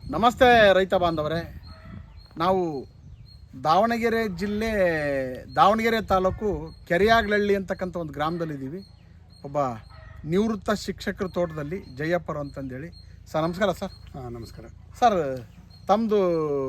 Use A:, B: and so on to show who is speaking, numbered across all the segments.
A: ನಮಸ್ತೆ ರೈತ ಬಾಂಧವರೇ. ನಾವು ದಾವಣಗೆರೆ ಜಿಲ್ಲೆ ದಾವಣಗೆರೆ ತಾಲೂಕು ಕೆರೆಯಾಗ್ಲಹಳ್ಳಿ ಅಂತಕ್ಕಂಥ ಒಂದು ಗ್ರಾಮದಲ್ಲಿದ್ದೀವಿ. ಒಬ್ಬ ನಿವೃತ್ತ ಶಿಕ್ಷಕರ ತೋಟದಲ್ಲಿ ಜಯಪ್ಪರು ಅಂತಂದೇಳಿ. ಸರ್ ನಮಸ್ಕಾರ. ಸರ್
B: ನಮಸ್ಕಾರ
A: ಸರ್. ತಮ್ಮದು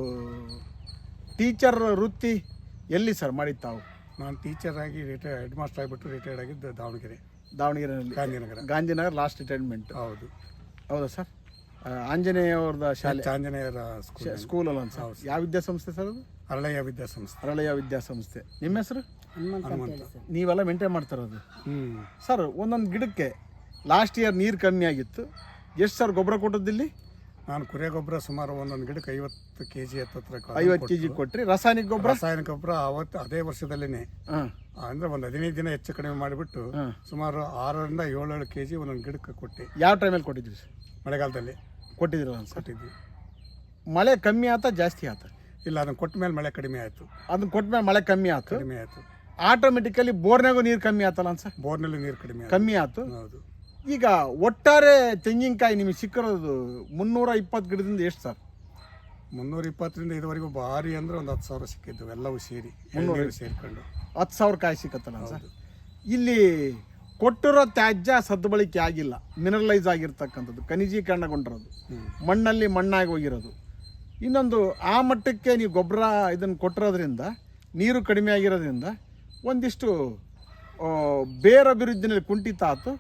A: ಟೀಚರ್ ವೃತ್ತಿ ಎಲ್ಲಿ ಸರ್ ಮಾಡಿದ್ದು ತಾವು?
B: ನಾನು ಟೀಚರ್ ಆಗಿ ಹೆಡ್ ಮಾಸ್ಟರ್ ಆಗಿಬಿಟ್ಟು ರಿಟೈರ್ಡ್ ಆಗಿದ್ದು
A: ದಾವಣಗೆರೆಯಲ್ಲಿ ಗಾಂಧಿನಗರ ಲಾಸ್ಟ್ ರಿಟೈರ್ಮೆಂಟ್. ಹೌದಾ ಸರ್? ಆಂಜನೇಯ ಅವ್ರದ ಶಾಲೆ,
B: ಆಂಜನೇಯರ
A: ಸ್ಕೂಲಲ್ಲ ಸರ್? ಯಾವ ವಿದ್ಯಾಸಂಸ್ಥೆ ಸರ್ ಅದು?
B: ಅರಳಯ್ಯ ವಿದ್ಯಾಸಂಸ್ಥೆ.
A: ಅರಳಯ್ಯ ವಿದ್ಯಾಸಂಸ್ಥೆ. ನಿಮ್ಮ ಹೆಸರು?
B: ಹನುಮಂತ.
A: ನೀವೆಲ್ಲ ಮೇಂಟೈನ್ ಮಾಡ್ತಾರದು ಸರ್? ಒಂದೊಂದು ಗಿಡಕ್ಕೆ ಲಾಸ್ಟ್ ಇಯರ್ ನೀರು ಕಮ್ಮಿ ಆಗಿತ್ತು. ಎಷ್ಟು ಸರ್ ಗೊಬ್ಬರ ಕೊಟ್ಟದ್ದಿಲ್ಲಿ?
B: ನಾನು ಕುರಿ ಗೊಬ್ಬರ ಸುಮಾರು ಒಂದೊಂದು ಗಿಡಕ್ಕೆ 50 kg
A: 50 kg ಕೊಟ್ರಿ. ರಾಸಾಯನಿಕ
B: ಗೊಬ್ಬರ ಅವತ್ತು ಅದೇ ವರ್ಷದಲ್ಲಿನೇ ಅಂದ್ರೆ ಒಂದು 15 ದಿನ ಹೆಚ್ಚು ಕಡಿಮೆ ಮಾಡಿಬಿಟ್ಟು ಸುಮಾರು 6ರಿಂದ 7 kg ಒಂದೊಂದು ಗಿಡಕ್ಕೆ ಕೊಟ್ಟೆ.
A: ಯಾವ ಟೈಮಲ್ಲಿ ಕೊಟ್ಟಿದ್ರಿ ಸರ್?
B: ಮಳೆಗಾಲದಲ್ಲಿ
A: ಕೊಟ್ಟಿದ್ರಲ್ಲ
B: ಕೊಟ್ಟಿದ್ವಿ.
A: ಮಳೆ ಕಮ್ಮಿ ಆತ ಜಾಸ್ತಿ ಆತ?
B: ಇಲ್ಲ, ಅದನ್ನ ಕೊಟ್ಟ ಮೇಲೆ ಮಳೆ ಕಡಿಮೆ ಆಯ್ತು.
A: ಅದನ್ನ ಕೊಟ್ಟ ಮೇಲೆ ಮಳೆ ಕಮ್ಮಿ ಆಯ್ತು. ಆಟೋಮೆಟಿಕಲಿ ಬೋರ್ನಾಗೂ ನೀರು ಕಮ್ಮಿ ಆತಲ್ಲ ಸರ್?
B: ಬೋರ್ನಲ್ಲಿ ನೀರು
A: ಕಮ್ಮಿ ಆಯ್ತು.
B: ಹೌದು.
A: ಈಗ ಒಟ್ಟಾರೆ ತೆಂಗಿನಕಾಯಿ ನಿಮಗೆ ಸಿಕ್ಕಿರೋದು 320 ಗಿಡದಿಂದ ಎಷ್ಟು ಸರ್?
B: 320ರಿಂದ ಇದುವರೆಗೂ ಭಾರಿ ಅಂದ್ರೆ ಒಂದು 10,000 ಸಿಕ್ಕಿದ್ದು ಎಲ್ಲವೂ ಸೇರಿ ಸೇರ್ಕೊಂಡು
A: 10,000 ಕಾಯಿ ಸಿಕ್ಕತ್ತಲ್ಲ ಸರ್? ಇಲ್ಲಿ ಕೊಟ್ಟಿರೋ ತ್ಯಾಜ್ಯ ಸದ್ಬಳಕೆ ಆಗಿಲ್ಲ, ಮಿನರಲೈಸ್ ಆಗಿರ್ತಕ್ಕಂಥದ್ದು, ಖನಿಜೀಕರಣಗೊಂಡಿರೋದು, ಮಣ್ಣಲ್ಲಿ ಮಣ್ಣಾಗಿ ಹೋಗಿರೋದು. ಇನ್ನೊಂದು ಆ ಮಟ್ಟಕ್ಕೆ ನೀವು ಗೊಬ್ಬರ ಇದನ್ನು ಕೊಟ್ಟಿರೋದ್ರಿಂದ, ನೀರು ಕಡಿಮೆ ಆಗಿರೋದ್ರಿಂದ ಒಂದಿಷ್ಟು ಬೇರೆ ಅಭಿವೃದ್ಧಿನಲ್ಲಿ ಕುಂಠಿತ ಆಯ್ತು.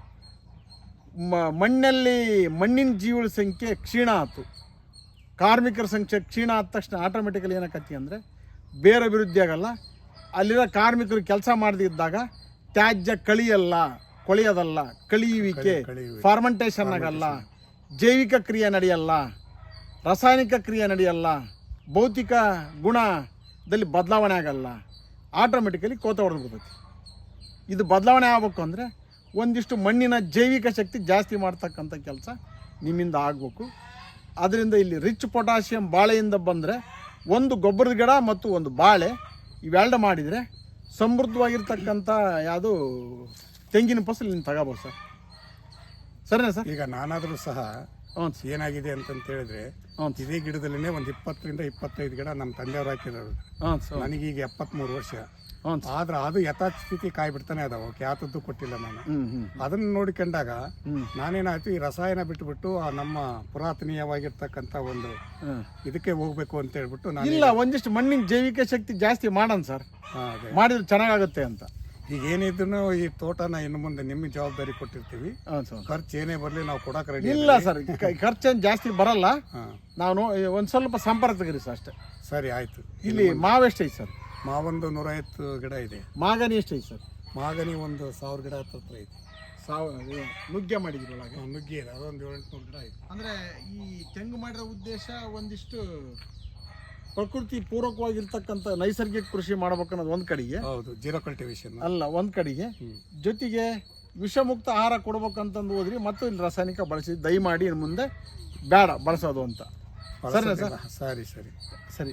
A: ಮಣ್ಣಿನ ಜೀವಳ ಸಂಖ್ಯೆ ಕ್ಷೀಣ ಆಯ್ತು. ಕಾರ್ಮಿಕರ ಸಂಖ್ಯೆ ಕ್ಷೀಣ ಆದ ತಕ್ಷಣ ಆಟೋಮೆಟಿಕಲಿ ಏನಾಕತಿ ಅಂದರೆ ಬೇರೆ ಅಭಿವೃದ್ಧಿ ಆಗಲ್ಲ. ಅಲ್ಲಿರೋ ಕಾರ್ಮಿಕರು ಕೆಲಸ ಮಾಡದಿದ್ದಾಗ ತ್ಯಾಜ್ಯ ಕೊಳೆಯೋದಲ್ಲ, ಕಳಿಯುವಿಕೆ, ಫಾರ್ಮೆಂಟೇಷನ್ ಆಗಲ್ಲ, ಜೈವಿಕ ಕ್ರಿಯೆ ನಡೆಯಲ್ಲ, ರಾಸಾಯನಿಕ ಕ್ರಿಯೆ ನಡೆಯಲ್ಲ, ಭೌತಿಕ ಗುಣದಲ್ಲಿ ಬದಲಾವಣೆ ಆಗಲ್ಲ. ಆಟೋಮೆಟಿಕಲಿ ಕೋತ ಹೊಡೆದು ಬಿಡ್ತೈತಿ. ಇದು ಬದಲಾವಣೆ ಆಗಬೇಕು ಅಂದರೆ ಒಂದಿಷ್ಟು ಮಣ್ಣಿನ ಜೈವಿಕ ಶಕ್ತಿ ಜಾಸ್ತಿ ಮಾಡ್ತಕ್ಕಂಥ ಕೆಲಸ ನಿಮ್ಮಿಂದ ಆಗಬೇಕು. ಅದರಿಂದ ಇಲ್ಲಿ ರಿಚ್ ಪೊಟ್ಯಾಷಿಯಂ ಬಾಳೆಯಿಂದ ಬಂದರೆ ಒಂದು ಗೊಬ್ಬರದ ಗಿಡ ಮತ್ತು ಒಂದು ಬಾಳೆ ಇವೆರಡು ಮಾಡಿದರೆ ಸಮೃದ್ಧವಾಗಿರ್ತಕ್ಕಂಥ ಯಾವುದು ತೆಂಗಿನ ಫಸಲು ನೀನು ತಗೋಬೋದು ಸರ್. ಸರಿನಾ ಸರ್?
B: ಈಗ ನಾನಾದರೂ ಸಹ ಏನಾಗಿದೆ ಅಂತಂತ ಹೇಳಿದ್ರೆ ಇದೇ ಗಿಡದಲ್ಲಿನೇ ಒಂದು 20ರಿಂದ 25 ಗಿಡ ನಮ್ಮ ತಂದೆಯವರು ಹಾಕಿರೋರು. ನನಗೀಗ 73 ವರ್ಷ. ಆದ್ರೆ ಅದು ಯಥಾಸ್ಥಿತಿ ಕಾಯಿ ಬಿಡ್ತಾನೆ ಅದಾವ, ಯಾತದ್ದು ಕೊಟ್ಟಿಲ್ಲ ನಾನು. ಅದನ್ನ ನೋಡಿಕೊಂಡಾಗ ನಾನೇನಾಯ್ತು, ಈ ರಸಾಯನ ಬಿಟ್ಟುಬಿಟ್ಟು ಆ ನಮ್ಮ ಪುರಾತನೀಯವಾಗಿರ್ತಕ್ಕಂಥ ಒಂದು ಇದಕ್ಕೆ ಹೋಗ್ಬೇಕು ಅಂತ ಹೇಳ್ಬಿಟ್ಟು ನಾನು
A: ಇಲ್ಲ, ಒಂದಿಷ್ಟು ಮಣ್ಣಿನ ಜೈವಿಕ ಶಕ್ತಿ ಜಾಸ್ತಿ ಮಾಡೋಣ ಸರ್, ಮಾಡಿದ್ರೆ ಚೆನ್ನಾಗುತ್ತೆ ಅಂತ.
B: ಈಗ ಏನಿದ್ರು ಈ ತೋಟನ ಇನ್ನು ಮುಂದೆ ನಿಮ್ಮ ಜವಾಬ್ದಾರಿ ಕೊಟ್ಟಿರ್ತೀವಿ. ಖರ್ಚು ಏನೇ ಬರಲಿ ನಾವು ಕೊಡಕ್ಕೆ ರೆಡಿ
A: ಇಲ್ಲ ಸರ್. ಖರ್ಚೇನು ಜಾಸ್ತಿ ಬರಲ್ಲ. ನಾನು ಒಂದು ಸ್ವಲ್ಪ ಸಂಪರ್ಕ ತೆಗೀರಿ ಸರ್ ಅಷ್ಟೇ.
B: ಸರಿ ಆಯ್ತು.
A: ಇಲ್ಲಿ ಮಾವು ಎಷ್ಟೈತೆ ಸರ್?
B: ಮಾವೊಂದು 150 ಗಿಡ ಇದೆ.
A: ಮಾಗನಿ ಎಷ್ಟೈತೆ ಸರ್?
B: ಮಾಗನಿ ಒಂದು 1000 ಗಿಡ ಹತ್ರ ಐತೆ.
A: ನುಗ್ಗೆ ಮಾಡಿದ್ರಿ ಒಳಗೆ?
B: ನುಗ್ಗೆ ಇದೆ, ಅದೊಂದು 700 ಗಿಡ ಐತೆ.
A: ಅಂದರೆ ಈ ತೆಂಗು ಮಾಡಿರೋ ಉದ್ದೇಶ ಒಂದಿಷ್ಟು ಪ್ರಕೃತಿ ಪೂರಕವಾಗಿರ್ತಕ್ಕಂಥ ನೈಸರ್ಗಿಕ ಕೃಷಿ ಮಾಡ್ಬೇಕನ್ನೋದು ಒಂದು ಕಡೆಗೆ.
B: ಹೌದು, ಜೀರೋ ಕಲ್ಟಿವೇಶನ್ ಅಲ್ಲ
A: ಒಂದು ಕಡೆಗೆ. ಜೊತೆಗೆ ವಿಷಮುಕ್ತ ಆಹಾರ ಕೊಡ್ಬೇಕಂತಂದು ಹೋದ್ರಿ ಮತ್ತು ಇಲ್ಲಿ ರಾಸಾಯನಿಕ ಬಳಸಿ ದಯಮಾಡಿ ಇನ್ನು ಮುಂದೆ ಬೇಡ ಬಳಸೋದು ಅಂತ. ಸರಿನಾ ಸರ್?
B: ಸರಿ ಸರಿ
A: ಸರಿ.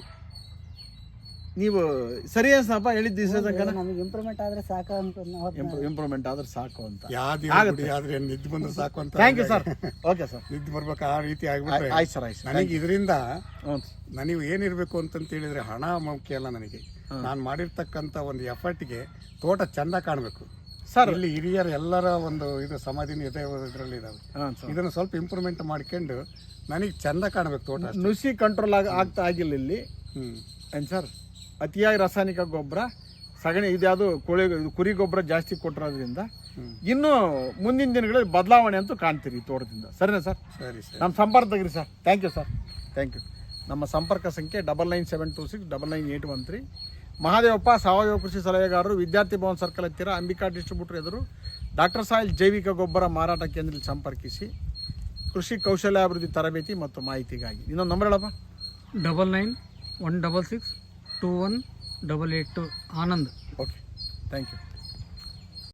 A: ನೀವು ಸರಿ ಅನ್ಸಪ್ಪ ಹೇಳಿದ್ದು
C: ಇಂಪ್ರೂವ್ಮೆಂಟ್ ಆದ್ರೆ ಸಾಕು ಅಂತ.
A: ಇಂಪ್ರೂವ್ಮೆಂಟ್ ಆದ್ರೆ ಸಾಕು ಅಂತ.
B: ಆದ್ರೆ ನಿದ್ದೆ ಬಂದ್ರೆ ಸಾಕು ಅಂತ.
A: Thank you sir. Okay sir.
B: ನಿದ್ದೆ ಬರ್ಬೇಕು ಆ ರೀತಿ ಆಗ್ಬಿಟ್ರೆ
A: ಆಯ್ತು ಸರ್. ಆಯ್ತು.
B: ನನಗೆ ಇದರಿಂದ ನನಗೆ ಏನಿರ್ಬೇಕು ಅಂತಂತ ಹೇಳಿದ್ರೆ ಹಣ ಮುಖ್ಯ ಅಲ್ಲ ನನಗೆ. ನಾನು ಮಾಡಿರ್ತಕ್ಕಂಥ ಒಂದು ಎಫರ್ಟ್ಗೆ ತೋಟ ಚಂದ ಕಾಣಬೇಕು ಸರ್. ಇಲ್ಲಿ ಹಿರಿಯರ ಎಲ್ಲರ ಒಂದು ಇದು ಸಮಾಧಿನ ಇದರಲ್ಲಿ ಇದಾವೆ. ಇದನ್ನು ಸ್ವಲ್ಪ ಇಂಪ್ರೂವ್ಮೆಂಟ್ ಮಾಡ್ಕೊಂಡು ನನಗೆ ಚಂದ ಕಾಣಬೇಕು ತೋಟ.
A: ನುಸಿ ಕಂಟ್ರೋಲ್ ಆಗ್ತಾ ಆಗಿಲ್ಲ ಇಲ್ಲಿ ಏನು ಸರ್? ಅತಿಯಾಗಿ ರಾಸಾಯನಿಕ ಗೊಬ್ಬರ, ಸಗಣಿ, ಇದ್ಯಾವುದು ಕುರಿ ಗೊಬ್ಬರ ಜಾಸ್ತಿ ಕೊಟ್ಟಿರೋದ್ರಿಂದ ಇನ್ನು ಮುಂದಿನ ದಿನಗಳಲ್ಲಿ ಬದಲಾವಣೆ ಅಂತೂ ಕಾಣ್ತೀರಿ ತೋಟದಿಂದ. ಸರಿನಾ ಸರ್?
B: ಸರಿ ಸರ್.
A: ನಮ್ಮ ಸಂಪರ್ಕ ತೆಗ್ರಿ sir. Thank you sir. Thank you. ನಮ್ಮ ಸಂಪರ್ಕ ಸಂಖ್ಯೆ 9972699813. ಮಹಾದೇವಪ್ಪ, ಸಾವಯವ ಕೃಷಿ ಸಲಹೆಗಾರರು, ವಿದ್ಯಾರ್ಥಿ ಭವನ್ ಸರ್ಕಲ್ ಹತ್ತಿರ, ಅಂಬಿಕಾ ಡಿಸ್ಟ್ರಿಬ್ಯೂಟರ್ ಎದುರು, ಡಾಕ್ಟರ್ ಸಾಯಿಲ್ ಜೈವಿಕ ಗೊಬ್ಬರ ಮಾರಾಟ ಕೇಂದ್ರದಲ್ಲಿ ಸಂಪರ್ಕಿಸಿ ಕೃಷಿ ಕೌಶಲ್ಯಾಭಿವೃದ್ಧಿ ತರಬೇತಿ ಮತ್ತು ಮಾಹಿತಿಗಾಗಿ. ಇನ್ನೊಂದು ನಂಬರ್ ಹೇಳಪ್ಪ.
C: 9916621882 ಆನಂದ್.
A: Okay, thank you.